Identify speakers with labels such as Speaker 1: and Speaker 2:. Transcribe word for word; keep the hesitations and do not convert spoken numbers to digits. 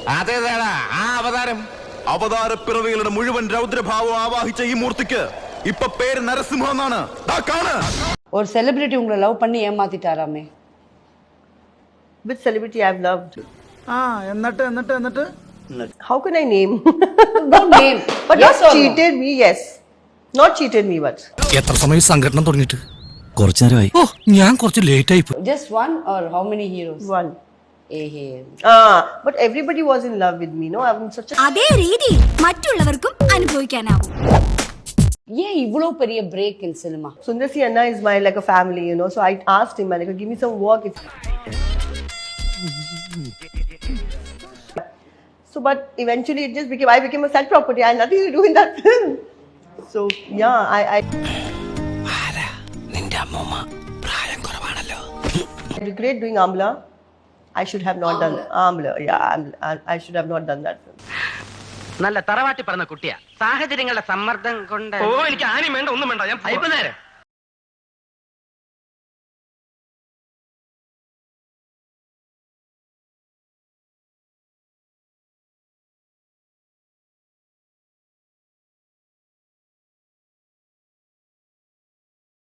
Speaker 1: അതേതാടാ ആ അവതാരം?
Speaker 2: അവതാര പിറവികളുടെ മുഴുവൻ രൗദ്രഭാവം ആവാഹിച്ച ഈ മൂർത്തിക്ക് ഇപ്പൊ പേര് നരസിംഹം എന്നാണ്.
Speaker 3: ഒരു സെലിബ്രിറ്റി ഉங்களை ലവ് பண்ணி ஏமாத்திட்டாராமே.
Speaker 4: Which celebrity I've loved?
Speaker 5: Ah, എന്നിട്ട് എന്നിട്ട് എന്നിട്ട്
Speaker 4: How can I name?
Speaker 3: Don't name.
Speaker 4: But
Speaker 3: Yes
Speaker 4: not
Speaker 3: or no?
Speaker 4: cheated me, yes. Not cheated me, but.
Speaker 6: എത്ര സമയം സംഘടന തുടങ്ങിയിട്ട്? കുറച്ചു നേരമായി. ഓ, ഞാൻ കുറച്ച് ലേറ്റ് ആയി പോയി.
Speaker 3: Just one or how many heroes?
Speaker 4: One.
Speaker 3: ഏഹേ.
Speaker 4: Ah, but everybody was in love with me, no? I'm such a.
Speaker 7: അതേ രീതി മറ്റുള്ളവർക്കും അനുഭവിക്കാനാവും.
Speaker 3: ஏன் இவ்வளவு பெரிய break in cinema?
Speaker 4: Sundar C Anna is my like a family, you know. So I asked him, like, give me some work. If... So, but eventually it just became, I became a set property. I had nothing to do in that film. So, yeah, I. I, I regret doing Amla. I should have not done Amla. Yeah, I, I should have not done that film.
Speaker 8: നല്ല തറവാട്ടി പറഞ്ഞ കുട്ടിയാ. സാഹചര്യങ്ങളുടെ സമ്മർദ്ദം കൊണ്ട്. ഓ, എനിക്ക് ആരും വേണ്ട, ഒന്നും വേണ്ട, ഞാൻ